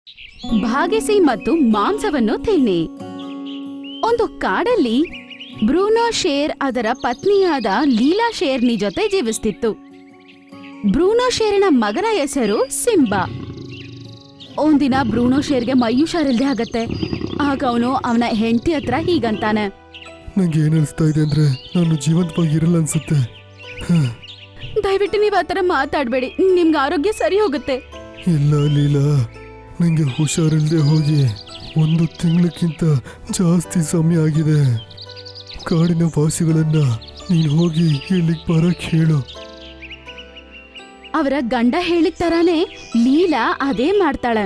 ಭಾಗಿಸಿ ಮತ್ತು ಮಾಂಸವನ್ನು ತಿನ್ನಿ. ಒಂದು ಕಾಡಲ್ಲಿ ಬ್ರೂನೋ ಶೇರ್ ಅದರ ಪತ್ನಿಯಾದ ಲೀಲಾ ಶೇರ್ನಿ ಜೊತೆ ಜೀವಿಸ್ತಿತ್ತು. ಬ್ರೂನೋ ಶೇರಿನ ಮಗನ ಹೆಸರು ಸಿಂಬಾ. ಒಂದಿನ ಬ್ರೂನೋ ಶೇರ್ಗೆ ಮೈ ಹುಷಾರಿಲ್ದೆ ಆಗತ್ತೆ. ಆಗ ಅವನ ಹೆಂಡತಿ ಹತ್ರ ಹೀಗಂತಾನೆ, ನಂಗೆ ಏನ್ ಅನಿಸ್ತಾ ಇದೆ ಅಂದ್ರೆ ನಾನು ಜೀವಂತವಾಗಿರಲ್ಲ ಅನ್ಸುತ್ತೆ. ದಯವಿಟ್ಟು ನೀವು ಆತರ ಮಾತಾಡ್ಬೇಡಿ, ನಿಮ್ಗೆ ಆರೋಗ್ಯ ಸರಿ ಹೋಗುತ್ತೆ. ಇಲ್ಲ ಲೀಲಾ, ನಂಗೆ ಹುಷಾರಿಲ್ದೆ ಹೋಗಿ 1 ತಿಂಗಳಕ್ಕಿಂತ ಜಾಸ್ತಿ ಸಮಯ ಆಗಿದೆ. ಕಾಡಿನ ವಾಸಿಗಳನ್ನ ನೀನು ಹೋಗಿ ಇಲ್ಲಿಗೆ ಬರಕ್ ಹೇಳು. ಅವರ ಗಂಡ ಹೇಳಿದ ತರಾನೇ ಲೀಲಾ ಅದೇ ಮಾಡ್ತಾಳೆ.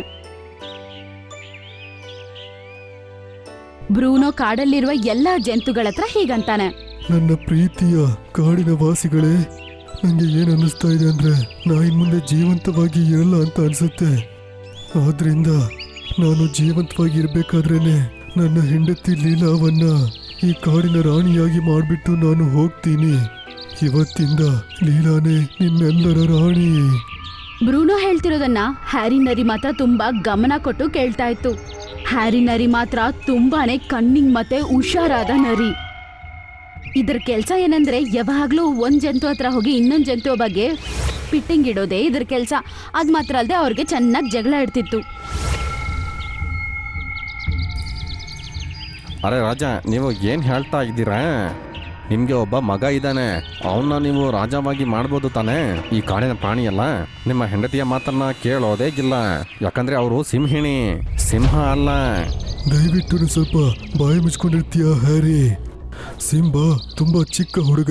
ಬ್ರೂನೋ ಕಾಡಲ್ಲಿರುವ ಎಲ್ಲಾ ಜಂತುಗಳ ಹತ್ರ ಹೀಗಂತಾನೆ, ನನ್ನ ಪ್ರೀತಿಯ ಕಾಡಿನ ವಾಸಿಗಳೇ, ನಂಗೆ ಏನ್ ಅನ್ನಿಸ್ತಾ ಇದೆ ಅಂದ್ರೆ ನಾ ಇನ್ ಮುಂದೆ ಜೀವಂತವಾಗಿ ಇರಲ್ಲ ಅಂತ ಅನ್ಸುತ್ತೆ. ಆದ್ರಿಂದ ನಾನು ಜೀವಂತವಾಗಿ ಇರ್ಬೇಕಾದ್ರೇನೆ ನನ್ನ ಹೆಂಡತಿ ಲೀಲಾವನ್ನ ಈ ಕಾಡಿನ ರಾಣಿಯಾಗಿ ಮಾಡ್ಬಿಟ್ಟು ನಾನು ಹೋಗ್ತೀನಿ. ಇವತ್ತಿಂದ ಲೀಲಾನೇ ನಿಮ್ಮೆಲ್ಲರ ರಾಣಿ. ಬ್ರೂನೋ ಹೇಳ್ತಿರೋದನ್ನ ಹ್ಯಾರಿ ನರಿ ಮಾತ್ರ ತುಂಬಾ ಗಮನ ಕೊಟ್ಟು ಕೇಳ್ತಾ ಇತ್ತು. ಹ್ಯಾರಿ ನರಿ ಮಾತ್ರ ತುಂಬಾನೇ ಕಣ್ಣಿಂಗ್ ಮತ್ತೆ ಹುಷಾರಾದ ನರಿ. ಇದ್ರ ಕೆಲ್ಸ ಏನಂದ್ರೆ ಯಾವಾಗ್ಲೂ ಒಂದ್ ಜಂತು ಹತ್ರ ಹೋಗಿ ಇನ್ನೊಂದ್ ಜಂತು ಬಗ್ಗೆ ಪಿಟ್ಟಿಂಗ್ ಇಡೋದೇ ಇದ್ರ ಕೆಲ್ಸ. ಅದ್ ಮಾತ್ರ ಅಲ್ಲದೆ ಅವ್ರಿಗೆ ಚೆನ್ನಾಗಿ ಜಗಳ ಇಡ್ತಿತ್ತು. ಅರೆ ರಾಜ, ನೀವು ಏನು ಹೇಳ್ತಾ ಇದ್ದೀರಾ? ನಿಮಗೆ ಒಬ್ಬ ಮಗ ಇದ್ದಾನೆ, ಅವನ್ನ ನೀವು ರಾಜವಾಗಿ ಮಾಡ್ಬೋದು ತಾನೇ? ಈ ಕಾಡಿನ ಪ್ರಾಣಿಯಲ್ಲ, ನಿಮ್ಮ ಹೆಂಡತಿಯ ಮಾತನ್ನ ಕೇಳೋದೇ ಇಲ್ಲ. ಯಾಕಂದ್ರೆ ಅವರು ಸಿಂಹಿಣಿ, ಸಿಂಹ ಅಲ್ಲ. ದಯವಿಟ್ಟು ಸ್ವಲ್ಪ ಬಾಯಿ ಮುಚ್ಕೊಂಡಿರ್ತೀಯ ಹ್ಯಾರಿ. ಸಿಂಬಾ ತುಂಬಾ ಚಿಕ್ಕ ಹುಡುಗ.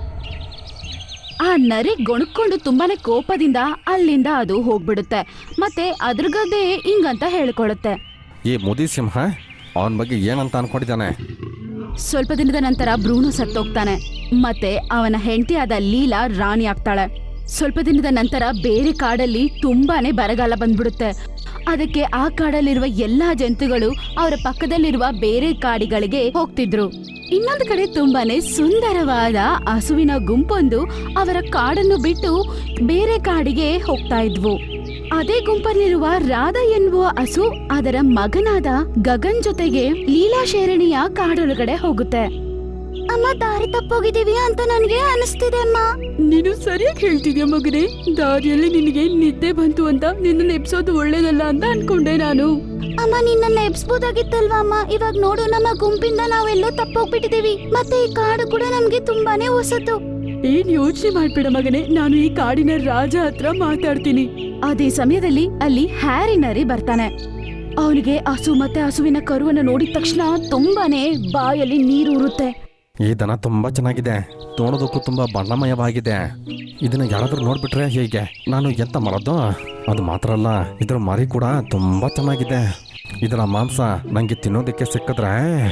ಆ ನರಿ ಗೊಣಕ್ಕೊಂಡು ತುಂಬಾನೇ ಕೋಪದಿಂದ ಅಲ್ಲಿಂದ ಅದು ಹೋಗ್ಬಿಡುತ್ತೆ. ಮತ್ತೆ ಅದ್ರಗದೆ ಹಿಂಗಂತ ಹೇಳ್ಕೊಳುತ್ತೆ, ಈ ಮುದಿ ಸಿಂಹ ಅವನ ಬಗ್ಗೆ ಏನಂತ ಅನ್ಕೊಂಡಿದ್ದಾನೆ? ಸ್ವಲ್ಪ ದಿನದ ನಂತರ ಬ್ರೂನೋ ಸತ್ತೋಗ್ತಾನೆ. ಮತ್ತೆ ಅವನ ಹೆಂಡತಿಯಾದ ಲೀಲಾ ರಾಣಿ ಆಗ್ತಾಳೆ. ಸ್ವಲ್ಪ ದಿನದ ನಂತರ ಬೇರೆ ಕಾಡಲ್ಲಿ ತುಂಬಾನೇ ಬರಗಾಲ ಬಂದ್ಬಿಡುತ್ತೆ. ಅದಕ್ಕೆ ಆ ಕಾಡಲ್ಲಿರುವ ಎಲ್ಲಾ ಜಂತುಗಳು ಅವರ ಪಕ್ಕದಲ್ಲಿರುವ ಬೇರೆ ಕಾಡಿಗಳಿಗೆ ಹೋಗ್ತಿದ್ರು. ಇನ್ನೊಂದು ಕಡೆ ತುಂಬಾನೇ ಸುಂದರವಾದ ಹಸುವಿನ ಗುಂಪೊಂದು ಅವರ ಕಾಡನ್ನು ಬಿಟ್ಟು ಬೇರೆ ಕಾಡಿಗೆ ಹೋಗ್ತಾ ಇದ್ವು. ಅದೇ ಗುಂಪಲ್ಲಿರುವ ರಾಧಾ ಎನ್ನುವ ಹಸು ಅದರ ಮಗನಾದ ಗಗನ್ ಜೊತೆಗೆ ಲೀಲಾ ಶೇರಣಿಯ ಕಾಡೊಳಗಡೆ ಹೋಗುತ್ತೆ. ಅಮ್ಮ, ದಾರಿ ತಪ್ಪೋಗಿದೀವಿ ಅಂತ ನನಗೆ ಅನಿಸ್ತಿದೆ ಅಮ್ಮ. ನೀನು ಸರಿಯಾಗಿ ಹೇಳ್ತಿದ್ಯಾ ಮಗನೇ. ದಾರಿಯಲ್ಲಿ ನಿನಗೆ ನಿದ್ದೆ ಬಂತು ಅಂತ ನಿನ್ನ ಎಬ್ಸೋದು ಒಳ್ಳೇದಲ್ಲ ಅಂತ ಅನ್ಕೊಂಡೆ ನಾನು. ಅಮ್ಮ, ನಿನ್ನ ಎಬ್ಸ್ಬೋದಾಗಿತ್ತಲ್ವಾ ಅಮ್ಮ. ಇವಾಗ ನೋಡು, ನಮ್ಮ ಗುಂಪಿಂದ ನಾವೆಲ್ಲೋ ತಪ್ಪೋಗ್ಬಿಟ್ಟಿದೀವಿ. ಮತ್ತೆ ಈ ಕಾಡು ಕೂಡ ನಮ್ಗೆ ತುಂಬಾನೇ ಹೊಸತು. ಏನ್ ಯೋಚನೆ ಮಾಡ್ಬೇಡ ಮಗನೇ, ನಾನು ಈ ಕಾಡಿನ ರಾಜ ಹತ್ರ ಮಾತಾಡ್ತೀನಿ. ಅದೇ ಸಮಯದಲ್ಲಿ ಅಲ್ಲಿ ಹ್ಯಾರಿ ನರಿ ಬರ್ತಾನೆ. ಅವನಿಗೆ ಹಸು ಮತ್ತೆ ಹಸುವಿನ ಕರುವನ್ನು ನೋಡಿದ ತಕ್ಷಣ ತುಂಬಾನೇ ಬಾಯಲ್ಲಿ ನೀರು ಉರುತ್ತೆ. ಈ ದನ ತುಂಬಾ ಚೆನ್ನಾಗಿದೆ, ನೋಡೋದಕ್ಕೂ ತುಂಬಾ ಬಣ್ಣಮಯವಾಗಿದೆ. ಇದನ್ನ ಯಾರಾದ್ರೂ ನೋಡ್ಬಿಟ್ರೆ ಹೇಗೆ? ನಾನು ಎಂತ ಮಾಡೋದು? ಅದು ಮಾತ್ರ ಅಲ್ಲ, ಇದ್ರ ಮರಿ ಕೂಡ ತುಂಬಾ ಚೆನ್ನಾಗಿದೆ. ಇದರ ಮಾಂಸ ನಂಗೆ ತಿನ್ನೋದಕ್ಕೆ ಸಿಕ್ಕಿದ್ರೆ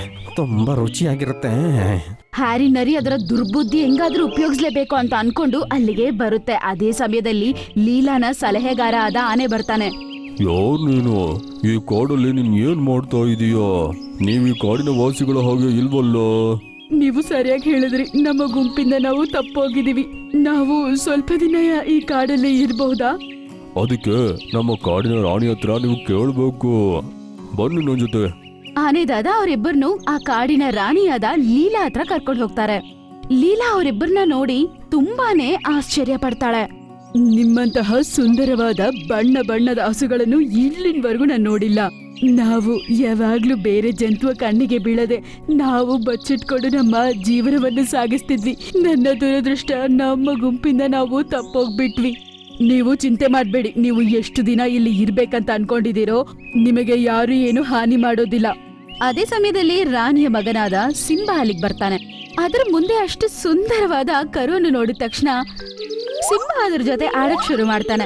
ತುಂಬಾ ರುಚಿಯಾಗಿರುತ್ತೆ. ಹ್ಯಾರಿ ನರಿ ಅದರ ದುರ್ಬುದ್ಧಿ ಹೆಂಗಾದ್ರೂ ಉಪಯೋಗಿಸ್ಲೇಬೇಕು ಅಂತ ಅನ್ಕೊಂಡು ಅಲ್ಲಿಗೆ ಬರುತ್ತೆ. ಅದೇ ಸಮಯದಲ್ಲಿ ಲೀಲಾನ ಸಲಹೆಗಾರ ಆದ ಆನೆ ಬರ್ತಾನೆ. ಯಾರು ನೀನು? ಈ ಕಾಡಲ್ಲಿ ನೀನ್ ಏನ್ ಮಾಡ್ತಾ ಇದೀಯೋ? ನೀವು ಈ ಕಾಡಿನ ವಾಸಿಗಳ ಹಾಗೆ ಇಲ್ವಲ್ಲೋ? ನೀವು ಸರಿಯಾಗಿ ಹೇಳಿದ್ರಿ, ನಮ್ಮ ಗುಂಪಿಂದ ನಾವು ತಪ್ಪೋಗಿದೀವಿ. ನಾವು ಸ್ವಲ್ಪ ದಿನ ಈ ಕಾಡಲ್ಲಿ ಇರಬಹುದಾ? ಅದಕ್ಕೆ ನಮ್ಮ ಕಾಡಿನ ರಾಣಿ ಹತ್ರ ನೀವು ಕೇಳ್ಬೇಕು. ಬನ್ನಿ ನನ್ನ ಜೊತೆ. ಆನೆದಾದ ಅವರಿಬ್ಬರನ್ನು ಆ ಕಾಡಿನ ರಾಣಿಯಾದ ಲೀಲಾ ಹತ್ರ ಕರ್ಕೊಂಡು ಹೋಗ್ತಾರೆ. ಲೀಲಾ ಅವರಿಬ್ಬರನ್ನ ನೋಡಿ ತುಂಬಾನೇ ಆಶ್ಚರ್ಯ ಪಡ್ತಾಳೆ. ನಿಮ್ಮಂತಹ ಸುಂದರವಾದ ಬಣ್ಣ ಬಣ್ಣದ ಹಸುಗಳನ್ನು ಇಲ್ಲಿನವರೆಗೂ ನಾನು ನೋಡಿಲ್ಲ. ನಾವು ಯಾವಾಗ್ಲೂ ಬೇರೆ ಜಂತುವ ಕಣ್ಣಿಗೆ ಬೀಳದೆ ನಾವು ಬಚ್ಚಿಟ್ಕೊಂಡು ನಮ್ಮ ಜೀವನವನ್ನು ಸಾಗಿಸ್ತಿದ್ವಿ. ನನ್ನ ದುರದೃಷ್ಟ, ನಮ್ಮ ಗುಂಪಿಂದ ನಾವು ತಪ್ಪೋಗ್ಬಿಟ್ವಿ. ನೀವು ಚಿಂತೆ ಮಾಡ್ಬೇಡಿ, ನೀವು ಎಷ್ಟು ದಿನ ಇಲ್ಲಿ ಇರ್ಬೇಕಂತ ಅನ್ಕೊಂಡಿದ್ದೀರೋ ನಿಮಗೆ ಯಾರು ಏನು ಹಾನಿ ಮಾಡೋದಿಲ್ಲ. ಅದೇ ಸಮಯದಲ್ಲಿ ರಾಣಿಯ ಮಗನಾದ ಸಿಂಬಾ ಅಲ್ಲಿಗೆ ಬರ್ತಾನೆ. ಅದರ ಮುಂದೆ ಅಷ್ಟು ಸುಂದರವಾದ ಕರುವನ್ನು ನೋಡಿದ ತಕ್ಷಣ ಸಿಂಬಾ ಅದ್ರ ಜೊತೆ ಆಡಕ್ ಶುರು ಮಾಡ್ತಾನೆ.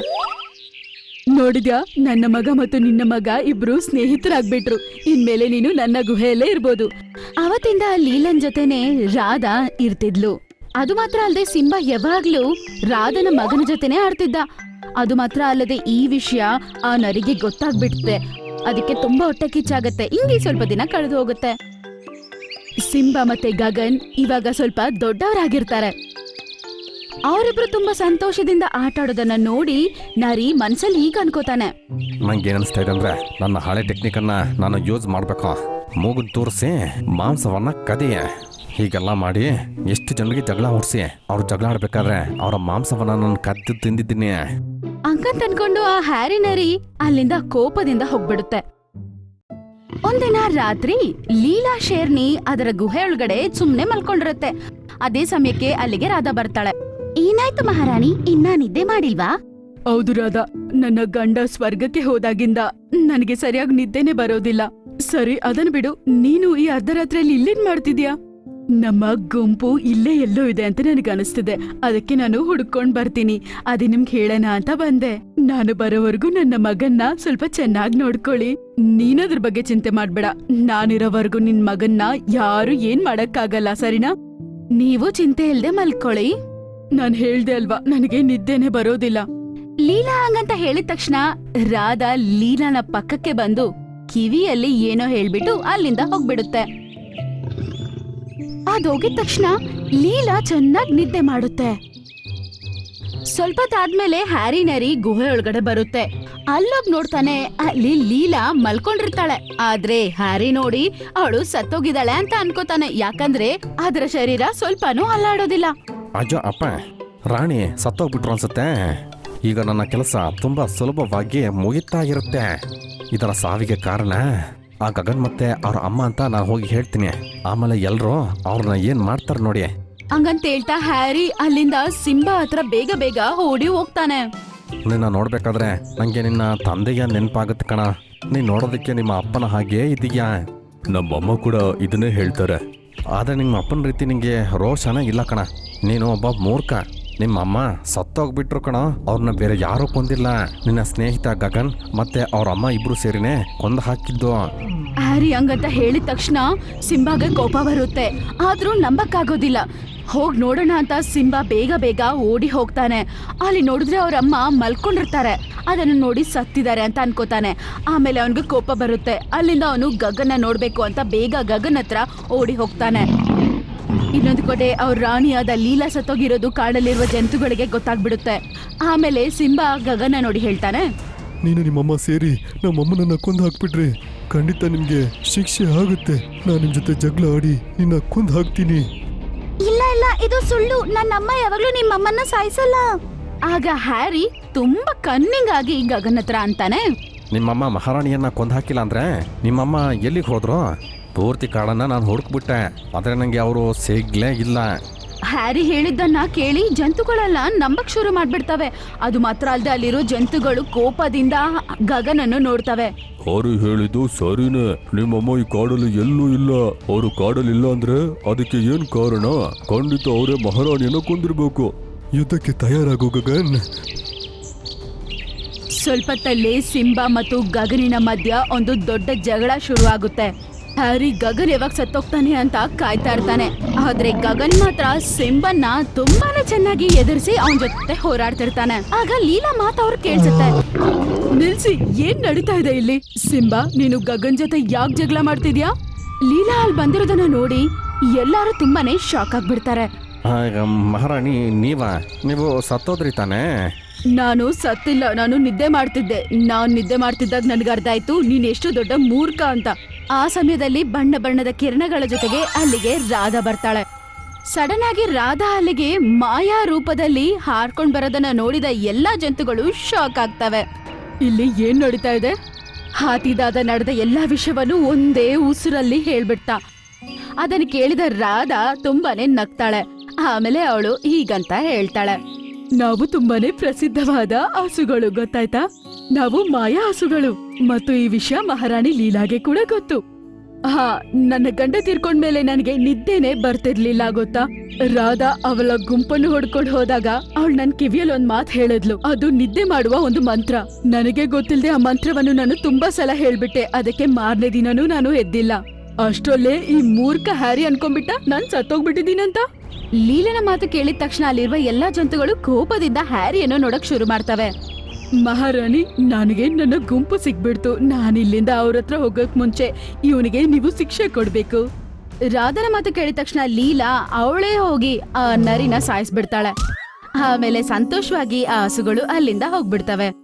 ನೋಡಿದ್ಯಾ, ನನ್ನ ಮಗ ಮತ್ತು ನಿನ್ನ ಮಗ ಇಬ್ರು ಸ್ನೇಹಿತರಾಗ್ಬಿಟ್ರು. ಇನ್ಮೇಲೆ ನೀನು ನನ್ನ ಗುಹೆಯಲ್ಲೇ ಇರ್ಬೋದು. ಅವತ್ತಿಂದ ಲೀಲನ್ ಜೊತೆನೆ ರಾಧಾ ಇರ್ತಿದ್ಲು. ಅದು ಮಾತ್ರ ಅಲ್ಲದೆ ಸಿಂಬಾ ಯಾವಾಗ್ಲೂ ರಾಧನ ಮಗನ ಜೊತೆನೆ ಆಡ್ತಿದ್ದ. ಅದು ಮಾತ್ರ ಅಲ್ಲದೆ ಈ ವಿಷಯ ಆ ನರಿಗೆ ಗೊತ್ತಾಗ್ಬಿಡುತ್ತೆ. ಅದಕ್ಕೆ ತುಂಬಾ ಹೊಟ್ಟೆ ಕಿಚ್ಚಾಗತ್ತೆ. ಹಿಂಗೆ ಸ್ವಲ್ಪ ದಿನ ಕಳೆದು ಹೋಗುತ್ತೆ. ಸಿಂಬಾ ಮತ್ತೆ ಗಗನ್ ಇವಾಗ ಸ್ವಲ್ಪ ದೊಡ್ಡವರಾಗಿರ್ತಾರೆ. ಅವರಿಬ್ರು ತುಂಬಾ ಸಂತೋಷದಿಂದ ಆಟ ಆಡೋದನ್ನ ನೋಡಿ ನರಿ ಮನ್ಸಲ್ಲಿ ಈಗ ಅನ್ಕೋತಾನೆ. ನಂಗೆ ಏನ್ ಅನಿಸ್ತಾ ಇದೆ ಅಂದ್ರೆ ನನ್ನ ಹಳೆ ಟೆಕ್ನಿಕನ್ನ ನಾನು ಯೂಸ್ ಮಾಡ್ಬೇಕು. ಮೂಗನ್ ತೋರಿಸಿ ಮಾಂಸವನ್ನ ಕದಿಯೆ. ಹೀಗೆಲ್ಲ ಮಾಡಿ ಎಷ್ಟು ಜನರಿಗೆ ಜಗಳ ಹೊಡ್ಸಿ ಅವ್ರು ಜಗಳ ಆಡ್ಬೇಕಾದ್ರೆ ಅವರ ಮಾಂಸವನ್ನ ನಾನು ಕದ್ದು ತಿಂದಿದ್ದೀನಿ. ಅಂಕಂತ ಅನ್ಕೊಂಡು ಆ ಹ್ಯಾರಿ ನರಿ ಅಲ್ಲಿಂದ ಕೋಪದಿಂದ ಹೋಗ್ಬಿಡುತ್ತೆ. ಒಂದಿನ ರಾತ್ರಿ ಲೀಲಾ ಶೇರ್ನಿ ಅದರ ಗುಹೆ ಒಳಗಡೆ ಸುಮ್ನೆ ಮಲ್ಕೊಂಡಿರುತ್ತೆ. ಅದೇ ಸಮಯಕ್ಕೆ ಅಲ್ಲಿಗೆ ರಾಧಾ ಬರ್ತಾಳೆ. ಏನಾಯ್ತು ಮಹಾರಾಣಿ, ಇನ್ನ ನಿದ್ದೆ ಮಾಡಿಲ್ವಾ? ಹೌದು ರಾಧಾ, ನನ್ನ ಗಂಡ ಸ್ವರ್ಗಕ್ಕೆ ಹೋದಾಗಿಂದ ನನಗೆ ಸರಿಯಾಗಿ ನಿದ್ದೆನೆ ಬರೋದಿಲ್ಲ. ಸರಿ ಅದನ್ ಬಿಡು, ನೀನು ಈ ಅರ್ಧರಾತ್ರಿಯಲ್ಲಿ ಇಲ್ಲೇನ್ ಮಾಡ್ತಿದ್ಯಾ? ನಮ್ಮ ಗುಂಪು ಇಲ್ಲೇ ಎಲ್ಲೋ ಇದೆ ಅಂತ ನನಗೆ ಅನಿಸ್ತಿದೆ. ಅದಕ್ಕೆ ನಾನು ಹುಡ್ಕೊಂಡ್ ಬರ್ತೀನಿ. ಅದೇ ನಿಮ್ಗೆ ಹೇಳೋಣ ಅಂತ ಬಂದೆ. ನಾನು ಬರೋವರೆಗೂ ನನ್ನ ಮಗನ್ನ ಸ್ವಲ್ಪ ಚೆನ್ನಾಗಿ ನೋಡ್ಕೊಳ್ಳಿ. ನೀನದ್ರ ಬಗ್ಗೆ ಚಿಂತೆ ಮಾಡ್ಬೇಡ. ನಾನಿರೋವರೆಗೂ ನಿನ್ ಮಗನ್ನ ಯಾರು ಏನ್ ಮಾಡಕ್ಕಾಗಲ್ಲ, ಸರಿನಾ? ನೀವು ಚಿಂತೆ ಇಲ್ದೆ ಮಲ್ಕೊಳ್ಳಿ. ನಾನ್ ಹೇಳ್ದೆ ಅಲ್ವಾ, ನನಗೆ ನಿದ್ದೆನೆ ಬರೋದಿಲ್ಲ. ಲೀಲಾ ಹಂಗಂತ ಹೇಳಿದ ತಕ್ಷಣ ರಾಧಾ ಲೀಲಾನ ಪಕ್ಕಕ್ಕೆ ಬಂದು ಕಿವಿಯಲ್ಲಿ ಏನೋ ಹೇಳ್ಬಿಟ್ಟು ಅಲ್ಲಿಂದ ಹೋಗ್ಬಿಡುತ್ತೆ. ಅದೋಗಿದ ತಕ್ಷಣ ಲೀಲಾ ಚೆನ್ನಾಗಿ ನಿದ್ದೆ ಮಾಡುತ್ತೆ. ಸ್ವಲ್ಪ ತಾದ್ಮೇಲೆ ಹ್ಯಾರಿ ನರಿ ಗುಹೆ ಒಳಗಡೆ ಬರುತ್ತೆ. ಅಲ್ಲೊಬ್ ನೋಡ್ತಾನೆ, ಅಲ್ಲಿ ಲೀಲಾ ಮಲ್ಕೊಂಡಿರ್ತಾಳೆ. ಆದ್ರೆ ಹ್ಯಾರಿ ನೋಡಿ ಅವಳು ಸತ್ತೋಗಿದ್ದಾಳೆ ಅಂತ ಅನ್ಕೋತಾನೆ. ಯಾಕಂದ್ರೆ ಅದರ ಶರೀರ ಸ್ವಲ್ಪನೂ ಅಲ್ಲಾಡೋದಿಲ್ಲ. ಅಜ್ಜೋ ಅಪ್ಪ, ರಾಣಿ ಸತ್ತೋಗ್ಬಿಟ್ರು ಅನ್ಸುತ್ತೆ. ಈಗ ನನ್ನ ಕೆಲಸ ತುಂಬಾ ಸುಲಭವಾಗಿ ಮುಗಿತಾ ಇರುತ್ತೆ. ಇದರ ಸಾವಿಗೆ ಕಾರಣ ಆ ಗಗನ್ ಮತ್ತೆ ಅವ್ರ ಅಮ್ಮ ಅಂತ ನಾನು ಹೋಗಿ ಹೇಳ್ತೀನಿ. ಆಮೇಲೆ ಎಲ್ರು ಅವ್ರನ್ನ ಏನ್ ಮಾಡ್ತಾರ ನೋಡಿ. ಹಂಗಂತ ಹೇಳ್ತಾ ಹ್ಯಾರಿ ಅಲ್ಲಿಂದ ಸಿಂಬಾ ಹತ್ರ ಬೇಗ ಬೇಗ ಓಡಿ ಹೋಗ್ತಾನೆ. ನಿನ್ನ ನೋಡ್ಬೇಕಾದ್ರೆ ನಂಗೆ ನಿನ್ನ ತಂದೆಯ ನೆನಪಾಗತ್ತೆ ಕಣ. ನೀನ್ ನೋಡೋದಕ್ಕೆ ನಿಮ್ಮ ಅಪ್ಪನ ಹಾಗೆ ಇದೀಯಾ. ನಮ್ಮಮ್ಮ ಕೂಡ ಇದನ್ನೇ ಹೇಳ್ತಾರೆ. ಆದ್ರೆ ನಿಮ್ಮ ಅಪ್ಪನ ರೀತಿ ನಿಂಗೆ ರೋಷನ ಇಲ್ಲ ಕಣ. ನೀನು ಒಬ್ಬ ಮೂರ್ಖ. ನಿಮ್ಮ ಅಮ್ಮ ಸತ್ತೋಗ್ಬಿಟ್ರು ಕಣ. ಅವ್ರನ್ನ ಬೇರೆ ಯಾರೂ ಕೊಂದಿಲ್ಲ. ನಿನ್ನ ಸ್ನೇಹಿತ ಗಗನ್ ಮತ್ತೆ ಅವ್ರ ಅಮ್ಮ ಇಬ್ರು ಸೇರಿನೇ ಕೊಂದು ಹಾಕಿದ್ದು. ಹ್ಯಾರಿ ಹಂಗಂತ ಹೇಳಿದ ತಕ್ಷಣ ಸಿಂಬಾಗೆ ಕೋಪ ಬರುತ್ತೆ. ಆದ್ರೂ ನಂಬಕ್ಕಾಗೋದಿಲ್ಲ. ಹೋಗ್ ನೋಡೋಣ ಅಂತ ಸಿಂಬಾ ಬೇಗ ಬೇಗ ಓಡಿ ಹೋಗ್ತಾನೆ. ಅಲ್ಲಿ ನೋಡಿದ್ರೆ ಅವ್ರ ಅಮ್ಮ ಮಲ್ಕೊಂಡಿರ್ತಾರೆ. ಅದನ್ನು ನೋಡಿ ಸತ್ತಿದ್ದಾರೆ ಅಂತ ಅನ್ಕೋತಾನೆ. ಆಮೇಲೆ ಅವನಿಗೆ ಕೋಪ ಬರುತ್ತೆ. ಅಲ್ಲಿಂದ ಅವನು ಗಗನ್ನ ನೋಡ್ಬೇಕು ಅಂತ ಬೇಗ ಗಗನ್ ಹತ್ರ ಓಡಿ ಹೋಗ್ತಾನೆ. ಇನ್ನೊಂದು ಕಡೆ ಅವ್ರ ರಾಣಿಯಾದ ಲೀಲಾ ಸತ್ತೋಗಿರೋದು ಕಾಡಲ್ಲಿರುವ ಜಂತುಗಳಿಗೆ ಗೊತ್ತಾಗ್ಬಿಡುತ್ತೆ. ಆಮೇಲೆ ಸಿಂಬಾ ಗಗನ ನೋಡಿ ಹೇಳ್ತಾನೆ, ನೀನು ನಿಮ್ಮಮ್ಮ ಸೇರಿ ನಮ್ಮಮ್ಮನನ್ನ ಕೊಂದು ಹಾಕ್ಬಿಟ್ರೆ ಖಂಡಿತ ನಿಮ್ಗೆ ಶಿಕ್ಷೆ ಆಗುತ್ತೆ. ನಾನು ನಿಮ್ ಜೊತೆ ಜಗಳ ಆಡಿ ನಿನ್ನ ಕೊಂದು ಹಾಕ್ತೀನಿ. ಇಲ್ಲ ಇಲ್ಲ, ಇದು ಸುಳ್ಳು. ನನ್ನಮ್ಮ ಯಾವಾಗ್ಲೂ ನಿಮ್ಮಮ್ಮನ್ನ ಸಾಯಿಸಲ್ಲ. ಆಗ ಹ್ಯಾರಿ ತುಂಬಾ ಕನ್ನಿಂಗ್ ಆಗಿ ಗಗನ್ ಹತ್ರ ಅಂತಾನೆ, ನಿಮ್ಮಮ್ಮ ಮಹಾರಾಣಿಯನ್ನ ಕೊಂದು ಹಾಕಿಲ್ಲ ಅಂದ್ರೆ ನಿಮ್ಮಮ್ಮ ಎಲ್ಲಿಗೆ ಹೋದ್ರು? ಪೂರ್ತಿ ಕಾಡನ್ನ ನಾನು ಹುಡುಕ್ಬಿಟ್ಟೆ, ಆದ್ರೆ ನಂಗೆ ಅವರು ಸಿಗ್ಲೇ ಇಲ್ಲ. ಹ್ಯಾರಿ ಹೇಳಿದ್ದನ್ನ ಕೇಳಿ ಜಂತುಗಳೆಲ್ಲ ನಂಬಕ್ ಶುರು ಮಾಡ್ಬಿಡ್ತವೆ. ಅದು ಮಾತ್ರ ಅಲ್ಲದೆ ಅಲ್ಲಿರೋ ಜಂತುಗಳು ಕೋಪದಿಂದ ಗಗನನ್ನು ನೋಡ್ತವೆ. ಹ್ಯಾರಿ ಹೇಳಿದ್ದು ಸರಿನೇ. ನಿಮ್ಮಮ್ಮ ಈ ಕಾಡಲ್ಲಿ ಎಲ್ಲೂ ಇಲ್ಲ. ಅವರು ಕಾಡಲ್ಲಿ ಇಲ್ಲ ಅಂದ್ರೆ ಅದಕ್ಕೆ ಏನ್ ಕಾರಣ? ಖಂಡಿತ ಅವರೇ ಮಹಾರಾಣಿಯನ್ನ ಕೊಂದಿರ್ಬೇಕು. ಯುದ್ಧಕ್ಕೆ ತಯಾರಾಗು ಗಗನ್. ಸ್ವಲ್ಪತ್ತಲ್ಲೇ ಸಿಂಬಾ ಮತ್ತು ಗಗನಿನ ಮಧ್ಯ ಒಂದು ದೊಡ್ಡ ಜಗಳ ಶುರುವಾಗುತ್ತೆ. ಹ್ಯಾರಿ ಗಗನ್ ಯಾವಾಗ ಸತ್ತೋಗ್ತಾನೆ ಅಂತ ಕಾಯ್ತಾ ಇರ್ತಾನೆ. ಆದ್ರೆ ಗಗನ್ ಮಾತ್ರ ಸಿಂಬನ್ನ ತುಂಬಾನೇ ಚೆನ್ನಾಗಿ ಎದುರಿಸಿ ಅವನ ಜೊತೆ ಹೋರಾಡ್ತಿರ್ತಾನೆ. ಆಗ ಲೀಲಾ ಮಾತು ಅವ್ರು ಕೇಳಿಸುತ್ತೆ, ನಿಲ್ಸಿ, ಏನ್ ನಡೀತಾ ಇದೆ ಇಲ್ಲಿ? ಸಿಂಬಾ, ನೀನು ಗಗನ್ ಜೊತೆ ಯಾಕೆ ಜಗಳ ಮಾಡ್ತಿದ್ಯಾ? ಲೀಲಾ ಅಲ್ಲಿ ಬಂದಿರೋದನ್ನ ನೋಡಿ ಎಲ್ಲಾರು ತುಂಬಾನೇ ಶಾಕ್ ಆಗ್ಬಿಡ್ತಾರೆ. ಮಹಾರಾಣಿ ನೀವು ಸತ್ತೋದ್ರಿ ತಾನೇ? ನಾನು ಸತ್ತಿಲ್ಲ, ನಾನು ನಿದ್ದೆ ಮಾಡ್ತಿದ್ದೆ. ನಾನ್ ನಿದ್ದೆ ಮಾಡ್ತಿದ್ದಾಗ ನನ್ಗೆ ಅರ್ಥ ಆಯ್ತು ನೀನ್ ಎಷ್ಟು ದೊಡ್ಡ ಮೂರ್ಖ ಅಂತ. ಆ ಸಮಯದಲ್ಲಿ ಬಣ್ಣ ಬಣ್ಣದ ಕಿರಣಗಳ ಜೊತೆಗೆ ಅಲ್ಲಿಗೆ ರಾಧಾ ಬರ್ತಾಳೆ. ಸಡನ್ ಆಗಿ ರಾಧಾ ಅಲ್ಲಿಗೆ ಮಾಯಾ ರೂಪದಲ್ಲಿ ಹಾರ್ಕೊಂಡ್ ಬರೋದನ್ನ ನೋಡಿದ ಎಲ್ಲಾ ಜಂತುಗಳು ಶಾಕ್ ಆಗ್ತವೆ. ಇಲ್ಲಿ ಏನ್ ನಡೀತಾ ಇದೆ? ಹಾತಿದಾದ ನಡೆದ ಎಲ್ಲಾ ವಿಷಯವನ್ನು ಒಂದೇ ಉಸಿರಲ್ಲಿ ಹೇಳ್ಬಿಡ್ತಾ. ಅದನ್ನ ಕೇಳಿದ ರಾಧಾ ತುಂಬಾನೇ ನಗ್ತಾಳೆ. ಆಮೇಲೆ ಅವಳು ಹೀಗಂತ ಹೇಳ್ತಾಳೆ, ನಾವು ತುಂಬಾನೇ ಪ್ರಸಿದ್ಧವಾದ ಹಸುಗಳು, ಗೊತ್ತಾಯ್ತಾ? ನಾವು ಮಾಯಾ ಹಸುಗಳು. ಮತ್ತು ಈ ವಿಷಯ ಮಹಾರಾಣಿ ಲೀಲಾಗೆ ಕೂಡ ಗೊತ್ತು. ನನ್ನ ಗಂಡ ತೀರ್ಕೊಂಡ್ಮೇಲೆ ನನಗೆ ನಿದ್ದೆನೆ ಬರ್ತಿರ್ಲಿಲ್ಲ, ಗೊತ್ತಾ? ರಾಧಾ ಅವಳ ಗುಂಪನ್ನು ಹೊಡ್ಕೊಂಡು ಹೋದಾಗ ಅವಳು ನನ್ ಕಿವಿಯಲ್ಲಿ ಒಂದ್ ಮಾತು ಹೇಳಿದ್ಲು. ಅದು ನಿದ್ದೆ ಮಾಡುವ ಒಂದು ಮಂತ್ರ. ನನಗೆ ಗೊತ್ತಿಲ್ಲದೆ ಆ ಮಂತ್ರವನ್ನು ನಾನು ತುಂಬಾ ಸಲ ಹೇಳ್ಬಿಟ್ಟೆ. ಅದಕ್ಕೆ ಮಾರನೇ ದಿನನೂ ನಾನು ಎದ್ದಿಲ್ಲ. ಅಷ್ಟರಲ್ಲೇ ಈ ಮೂರ್ಖ ಹ್ಯಾರಿ ಅನ್ಕೊಂಡ್ಬಿಟ್ಟ ನಾನ್ ಸತ್ತೋಗ್ಬಿಟ್ಟಿದ್ದೀನಂತ. ಲೀಲನ ಮಾತು ಕೇಳಿದ ತಕ್ಷಣ ಅಲ್ಲಿರುವ ಎಲ್ಲಾ ಜಂತುಗಳು ಕೋಪದಿಂದ ಹ್ಯಾರಿಯನ್ನು ನೋಡಕ್ ಶುರು ಮಾಡ್ತವೆ. ಮಹಾರಾಣಿ, ನನಗೆ ನನ್ನ ಗುಂಪು ಸಿಗ್ಬಿಡ್ತು. ನಾನಿಲ್ಲಿಂದ ಅವ್ರ ಹತ್ರ ಹೋಗಕ್ ಮುಂಚೆ ಇವನಿಗೆ ನೀವು ಶಿಕ್ಷೆ ಕೊಡ್ಬೇಕು. ರಾಧನ ಮಾತು ಕೇಳಿದ ತಕ್ಷಣ ಲೀಲಾ ಅವಳೇ ಹೋಗಿ ಆ ನರಿನ ಸಾಯಿಸ್ಬಿಡ್ತಾಳೆ. ಆಮೇಲೆ ಸಂತೋಷವಾಗಿ ಆ ಹಸುಗಳು ಅಲ್ಲಿಂದ ಹೋಗ್ಬಿಡ್ತವೆ.